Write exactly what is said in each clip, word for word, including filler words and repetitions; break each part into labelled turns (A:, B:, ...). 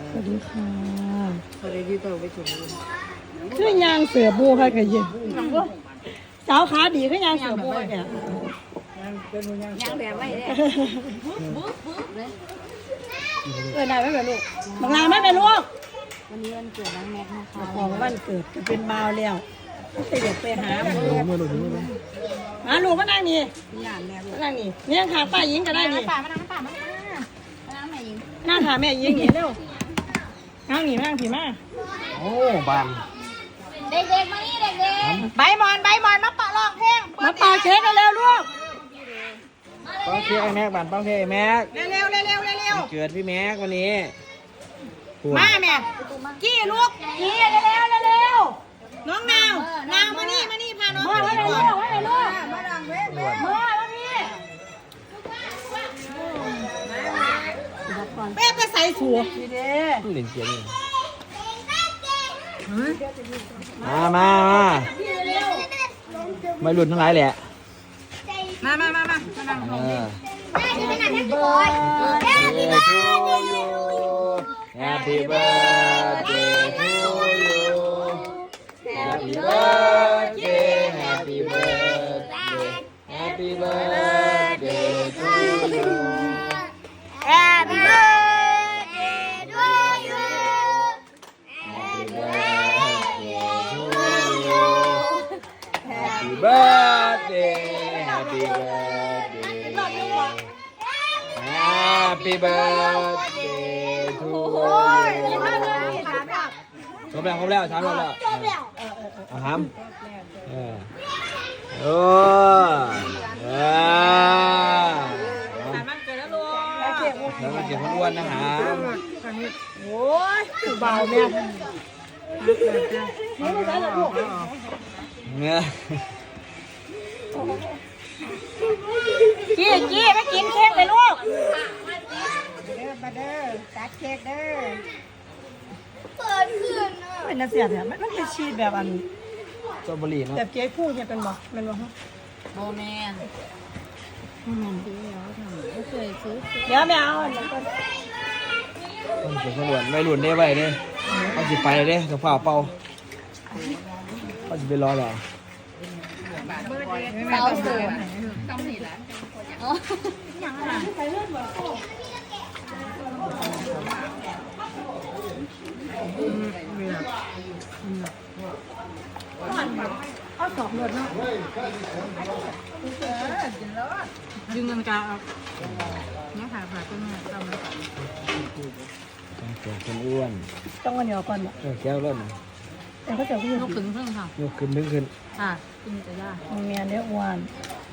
A: สวัสดีค่ะ
B: สวัสดีที่ตัวไปถึง
A: คือยางเสือบูค่ะกะเย็นสาวขาดีคือยางเสือบูเนี่ย
B: ยางแบบไม่ได้บุ๊บบุ๊บเลย
A: เออไหนไม่เป็นลูกบางลาไม่เป็นลูก
B: วันนี้วันเกิดน้องแม็กนะคะ
A: ของวันเกิดจะเป็นบ่าวแล้วจะอยากไปหาหมูมาลูกมานั่งนี่มานั่งนี่นี่ยังขาป้ายิงก็ได้นี่
B: ป่ามานั่งป่ามามานั่งแม่ยิง
A: นั่งขาแม่ยิงนี่เร็วนั่งนี่นั่งผีมา
C: โอ้บาน
B: เด็กๆมานี่เด็กๆใบมอนใบมอนมาปะลองเพลง
A: มาปาเค้กกันเร็วลูก
C: ป้องเค้กไอ้แม็กบานป้องเค้กไอ้แม็ก
A: เร็วเร็วเร็วเร็วเร็ว
C: เกิดพี่แม็กวันนี้
A: มาแม่กี้ลูกกี้เร็วเร็วเร็วน้องนาวนาวมานี่มานี่พาน้องมาเร็วเร็วเร็วลูกมาดังเว้ยเว้ยมาแล้วพี่แม่ไปใส่สัวดีเด้
C: เล่นเสียงนี่มามามาไม่หลุดทั้งหลายแหละ
A: มามามามานั่งลงนี่
C: Happy birthday to you Happy birthday Happy birthday Happy birthday to you
A: Happy birthday to you
C: Happy birthday Happy birthday Happy birthday to you ครบแล้วครบแล้วชามรอบแล้วเอาหามเออโอ้เออ
A: มันเกิดแล้วลูก
C: แล้วมันเก็บมันอ้วนนะฮะ
A: โอ้ยเบาเนี่ย
C: เนี่ย
A: กี้กี้ไม่กินเค้กเลยลูก
B: เด้อมาเด้อตัดเค้กเด้อ
A: เปิดขึ้นอ่ะเป็นน่าเสียเนี่ยมันมันเป็นชีสแบบอัน
C: สตรอเบอรี่เนาะ
A: แบบเค้กพูดเนี่ยเป็นบ่เป็นบ่ฮะ
B: โมแมน
A: เดี๋ยวไม่เอาเดี๋ยวก่อน
C: ต้องเก็บขบวนไม่หลุดได้ไว้เนี่ยเขาสิไปเลยกับฝ่าเป่าเขาสิไปรอหรอ
B: เตาเสือต้องหนีแล้วอ๋อยังไง
A: เอาสอบรถเนาะดึงเงินกาเอาเนี่ยผ่าผ่าต้นเนี่ยเอามา
C: ต้องเก็บคนอ้วน
A: ต้องกันเดียวก่อนเนาะ
C: แก้วร่น
A: แต่เขาจะขึ้น
B: ยกขึ้นเพิ่งค่ะ
C: ยกขึ้นดึงขึ้น
B: ค่ะกินจะยาก
A: มันมีอันเนี้ยอ้วน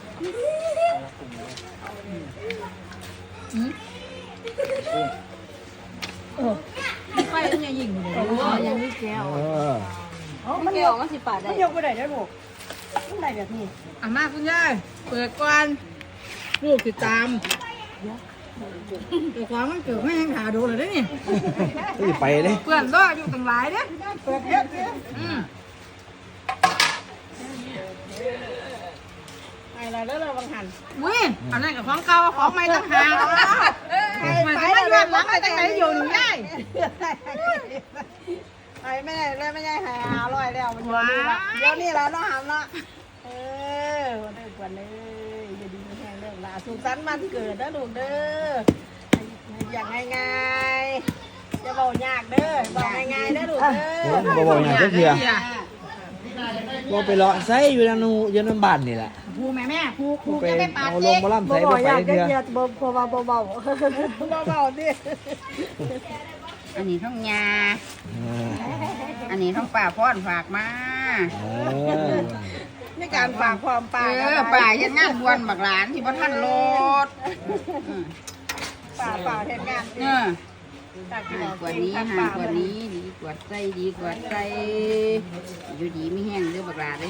A: เออ
B: ไฟต้องยังยิงเลยยังไม่แก้ว
A: มัน
B: แก้วก็สิบบาทได้
A: มันยกไปไหนได้ลูกมันได้แบบนี้
B: อาม่าคุณยายเปิดก่อนลูกติดตามแต่ความมันเกิดไม่ยังหาดูเลยได้นี่
C: ไปเลย
B: เพื่อนก็อยู่ต่างหลายเนี่ย
A: เปิดเยอะเยอะอะไรแล้วเราบังหัน
B: วุ้ยอันนั้นกับของเก่าของใหม่ต่างหากมันจะไม่ยอมรับไปตั้งไหนอยู่หนึ่งได้
A: ไอ้ไม่ได้เลยไม่ได้หายอร่อยแล้วมันเดี๋ยวนี้เราต้องหามละเออวันเด็กวันเลยอย่าดีแห้งเด้อละสุขสันต์วันเกิดนะลูกเด้ออย่างง่ายๆจะบอกยากเด้อบอกง่ายๆเด้อลูกเด้อ
C: บอกบอกอย่างก็คือบอกไปเลาะไส้อยู่ในนูอยู่ในบ้านนี่แหละ
B: ผูแม่แม่ผูผู
C: จะไปเอาลงมาล่ำใส่ไปไปเดียว
A: เบาเบาเบาเบาเบาดิ
B: อันนี้ท้องยาอันนี้ท้องป่าพ่อนฝากมา
A: ในการฝากความป่า
B: เออป่ายังงานบวนบักหลานที่พ่อท่านรถ
A: ป่าป่าเทศงาน
B: เออกว่านี้หากว่านี้ดีกว่าใจดีกว่าใจอยู่ดีไม่แห้งเด้อบักหลาเด้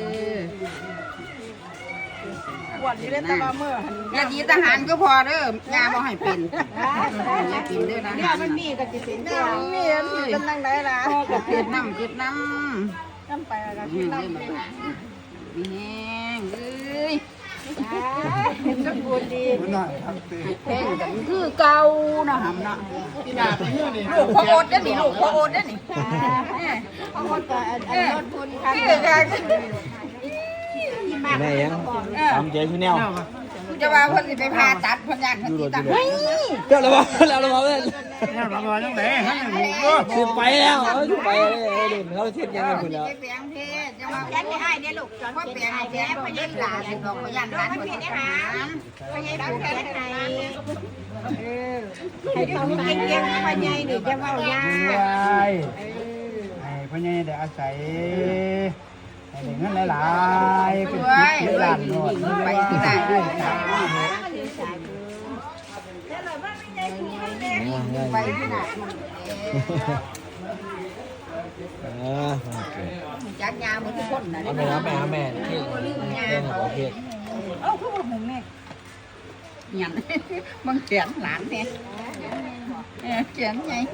A: อวันนี้เล่นตะบะเมื่อย
B: าดีทหารก็พอเด้อยาบ่ให้เป็นยากินเด้อนะ
A: เนี่ยมันมีกับจิตสินเนี่ยมีอันที่กำลังไหนล่ะ
B: ก็เกิดน้ำเกิดน้ำ
A: น้ำไปแล้วกินน้ำ
B: มีแห้งเอ้ย
A: สมบูรณ์ดี
B: แพงกันคือเก่านะหำเนาะลูกพ่อโอ๊ตได้หนิลูกพ่อโอ๊ตได้หนิ
A: บางคนก็อันลดทุนค่ะ
B: คือกัน
C: แม่ยังตามเจ๊ชูแนว
B: จะว่าเพิ่นสิไปผ่าตัดเพิ่นย่านเพิ่นสิตัดเฮ้ย
C: เดี๋ยวเราบอกเราเราบอกเพื่อน
D: แล้วเราบอกยังไงฮะ
C: สิไปแล้วเออไปเลยเด่นเขาเทียบยังไงคุณแล้ว
B: แปลงเพศจะว่าแปลงให้ได้ลูกจอนว่าแปลงให้แท้พญาหลานสิบอกพญาหลานเพิ่นสิหาพญาหลานแท้ให้เออให้ต้องเก่งๆพญานี่จะเว้ายาก
D: ให้พ่อใหญ่ได้อาศัยให้ได้เงินหลายๆเป็นสิบเป็นล้านโลด
B: ไปที่ไหน ไปที่ไหน
C: อ่า
B: จักยาเหมือนทุกคนนะ
C: เอาแม่เอาแม่เอาแม่ที่เรื่องของประเทศ
B: เอ้าคือบ่หุงแม่หยันมึงเขียนหลานแท้เออเขียนไง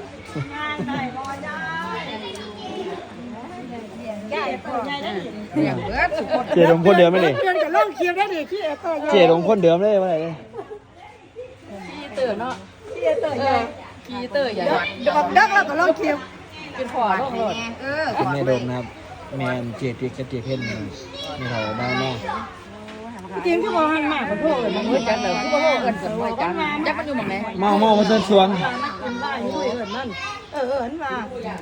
B: เรียกเบิดทุกคน
C: เจดงคนเดิมไหมนี่
A: เดือนกับล่องเคียวได้ดิที่เอเตอร์
C: เจดงคนเดิมเลยว่าอะไร
A: ที่เอเตอร์ใหญ่
B: กีเตอร์ใหญ่
A: เดี๋ยวดักแล้วก็ล่องเคียว
B: เป็นพอลงรถเออ
C: แม่โดมนะครับแม่เจดเพียกับเจดเพ่นนี่เขาบ้านแม่
A: จริงคือบอกหันมากกว่าพวกอื่น
B: มันมือจันเลยคือว่าเอิ้นกันมือจันจักมันอยู่หม่องไหน
C: เมาเมามาเส้นสวง
A: มันว่าอยู่เอิญนั่นเออเอิญมา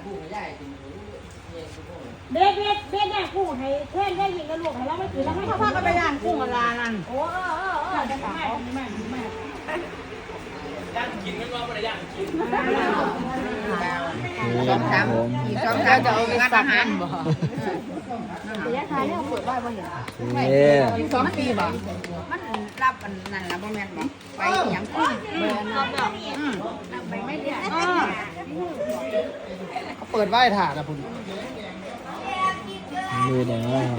E: เด็กเด็กเด็กเนี่ยกุ้งให้เพื่อนได้ยินกันลูกให้เราไม่ถือแล้วให้
A: ถ้า
E: เขา
A: พ่อก็ไปย่างกุ้งกับลานั่น
E: โอ้เออเออเออจะขายแม่แม่
B: สองสามอีกสองสามจะเอาไปงานอาหารบ่
E: ระยะทางเนี่ยเปิดไว้บ่เห็น
C: เอ๊ะ
B: อีกสองปีบ่มันรับอันนั่นล่ะบ่แม่นบ่ไปอีหยังกุ้งอืมไปไม่ได้อ่า
D: เขาเปิดไหว้ถ่านนะคุณ
C: มือเนี่ยว่า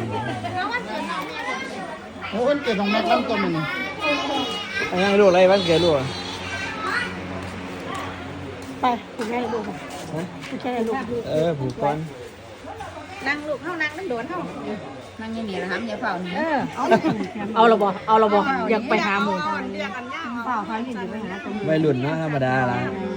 D: โอ้ยเกิดตรงแม็กซ์ลำต้นนี่
C: ไอ้ยังลูกอะไรบ้านเกิดลูก
A: ไปถูกแม่ลูกถูกแค่ลูก
C: เออผูกก้อน
B: นั่งลูกเฮานั่งมันโดนเฮานั่งอย่างนี้ล่ะหำอย่าเฝ้านี่
A: เออเอา
E: เอาละบ่เอาละบ่อยากไปหาหมู
A: เรียกกันย่างเปล่าใครที่อยู่ไปหาตรงนี้
C: วัยรุ่นนะธรรมดาละ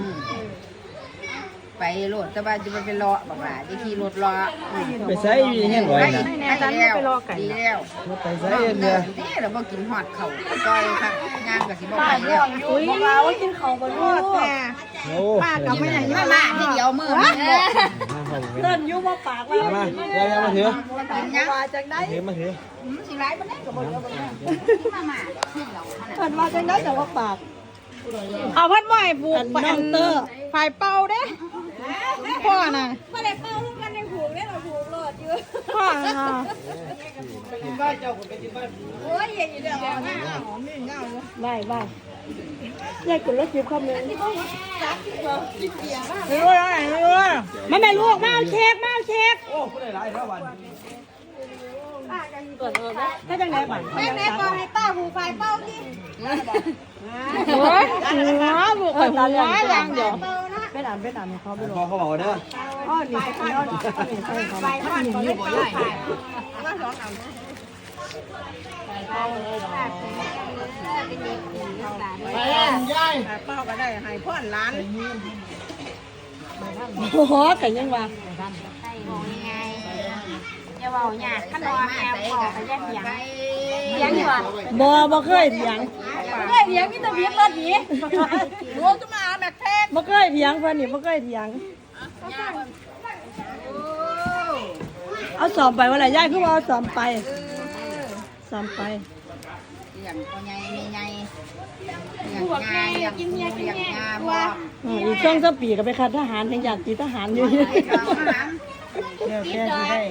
B: ไปโลดแต่ว่าจะไปเป็นรอบักหลาจะขี่รถรอ
C: ไปใส่อยู่ยังไงนะ
B: ดีแล้วดีแล้ว
C: ไปใส่เนี่ย
B: ดีแล้วบ่กินฮอดเขาก้อยค่ะย่างก็สิบ่ไปแล้ว
A: อุ้ยมาว่ากินเขาบนรถแต่
C: โอ้
A: ป้ากับไม่อย่างนี้
B: มามาทีเดียวมือมันบ่
A: เต้นยุ่มาปากว่า
C: มาเดี๋ยวมาถือ
B: กินยัง
A: มาจากไหน
C: ถือมาถือ
B: สิร้ายบ่ได้ก็บ่เดียวบ่ได้มามาที่เรา
A: เต้นมาจากไหนแต่ว่าปาก
E: เอาพัดบ่อยปลูก
A: น้องเตอร์
E: ฝ่ายเป่าเด้พ่อน่ะ
A: ไม่ได้เป้าลูกกันในผูกเนี่ยเราผูกรถอยู่
E: พ่อน่ะ
A: โอ้ยอย่างนี้เดี๋ยวหน้าหอมนี่เงาเลย
E: ไหว้ไหว้
A: ยายกดรถจิบคำนึง
E: ไม่รู้อะไรไม่รู้ไม่แม่ลูกมาเอาเช็คมาเอาเช็ค
C: โอ้ผู้ใดหลายเท่าวัน
A: ถ้าจังไหนบ้างแม่แม่บอกให้ป้าผูกไฟเป้าที่
E: โอ้ยหัวบุกหัวยังเดี๋ยว
A: ไปตามไปตามเขาไปลง
C: พอเขาบอกเด้อ
A: อ้อนี่อ้อนี่ใส่เขาไปทอดหนึ่งอยู่บ่ได้มาสองอันไปย่ายเป้าก็ได้ให้พ่อนร้าน
E: โอ้โหกันยังว่า
B: จะเว้ายากคันว่าแม่บอกก็ยักหยัง
E: เถียงอยู่ว่ะ
A: บ่บ่เคยเถียง
E: บ่เคยเถียงมีแต่เถียงรถหนี
A: รู้จะมาแม็กเทก
E: บ่เคยเถียงเพิ่นนี่บ่เคยเถียงเอาสอบไปว่าอะไรยายคือว่าเอาสอบไปสอบไป
B: อย่างพ่อใหญ่แม่ใหญ่อย่างงาอย่างกินเมียกินเมียบ่
E: อืมอีกช่วงสักปีก็ไปคัดทหารยังอยากตีทหารอยู่
B: ไปลองอาหาร
A: เดี๋ยวแกสิได้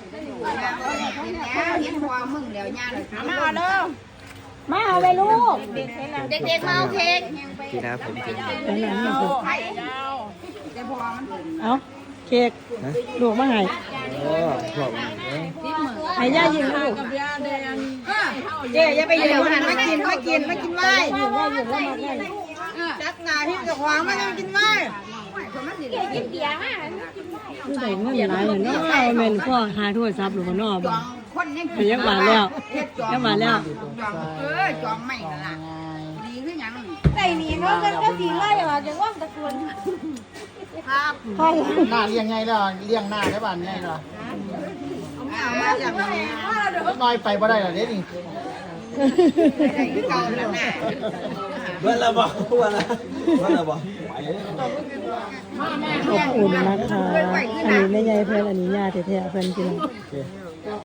B: เห็นพ่อมึงแล้วย่าเลย
A: มาเอาเด้อ
E: มาเอาเลยลูก
B: เด็กๆมาเอาเค้ก
C: พี่นะผมกิน
E: เป็นหนังนี่คือ
B: ไข่แต่พ่อมัน
E: เอาเค้กลูกมาให้
C: โอ้พวก
E: ให้ย่ายิงลูก
A: เจ๊อย่าไปยืนหันมากินมากินมากินไว้
E: ยิงย่ายิงแล้วมาได้
A: จักหน้าที่จะขวางมาจะกินไว้
E: คือได้เงินหลายเนาะแม่นพ่อหาโทรศัพท์หรือว่าน้อบ่
B: คน
E: แต่ยังมาแล้วยังมาแล้ว
B: จองเออจองไม่นั่นล่ะดีคือหยัง
E: ไอ้นี่เขาก็ก็สีไล่ออกจากว่างตะกวน
B: ครับ
E: พ่อ
D: หน้าเลี้ยงไงล่ะเลี้ยงหน้าได้บ้านไงล่ะ
B: เอามาจากไหน
D: น้อยไปบ่ได้ล่ะเด้นี่
B: ได้คือเก่าแล้วน่ะ
C: เบิ้ลละบ่เบิ้ลละเบิ้ลละบ่ไปเลย
E: ขอบคุณนะคะอันนี้แม่ยายเพื่อนอันนี้ญาติแท้ๆเพื่อนกิน